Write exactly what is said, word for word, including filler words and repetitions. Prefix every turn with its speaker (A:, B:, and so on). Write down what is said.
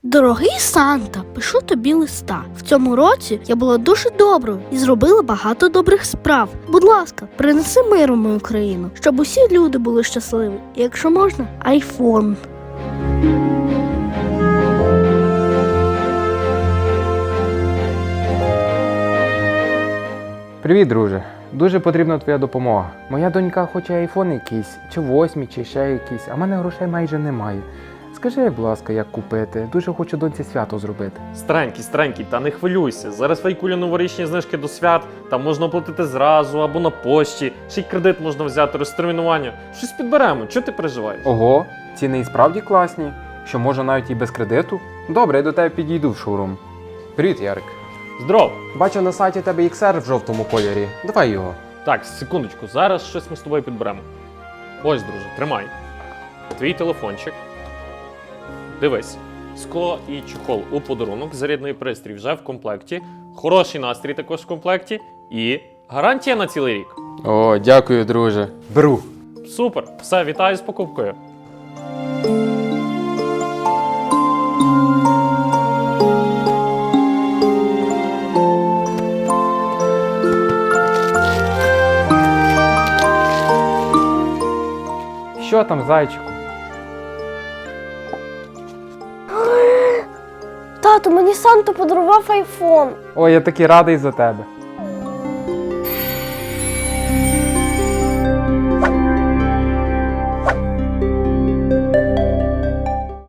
A: Дорогий Санта, пишу тобі листа. В цьому році я була дуже доброю і зробила багато добрих справ. Будь ласка, принеси мир у мою країну, щоб усі люди були щасливі. І якщо можна, айфон.
B: Привіт, друже. Дуже потрібна твоя допомога. Моя донька хоче айфон якийсь, чи восьмий, чи ще якийсь, а в мене грошей майже немає. Скажи, будь ласка, як купити? Дуже хочу доньці свято зробити.
C: Старенький, старенький, та не хвилюйся. Зараз фейкулі новорічні знижки до свят, там можна оплатити зразу або на пошті, ще й кредит можна взяти, розтермінування. Щось підберемо, чого ти переживаєш?
B: Ого, ціни і справді класні, що можна навіть і без кредиту. Добре, я до тебе підійду в шоурум. Привіт, Ярик.
C: Здоров!
B: Бачу на сайті тебе ікс ар в жовтому кольорі. Давай його.
C: Так, секундочку, зараз щось ми з тобою підберемо. Ось, друже, тримай. Твій телефончик. Дивись, скло і чохол у подарунок, зарядний пристрій вже в комплекті, хороший настрій також в комплекті і гарантія на цілий рік.
B: О, дякую, друже. Беру.
C: Супер! Все, вітаю з покупкою.
B: Що там, зайчику?
A: Тато, мені Санта подарував айфон.
B: Ой, я такий радий за тебе.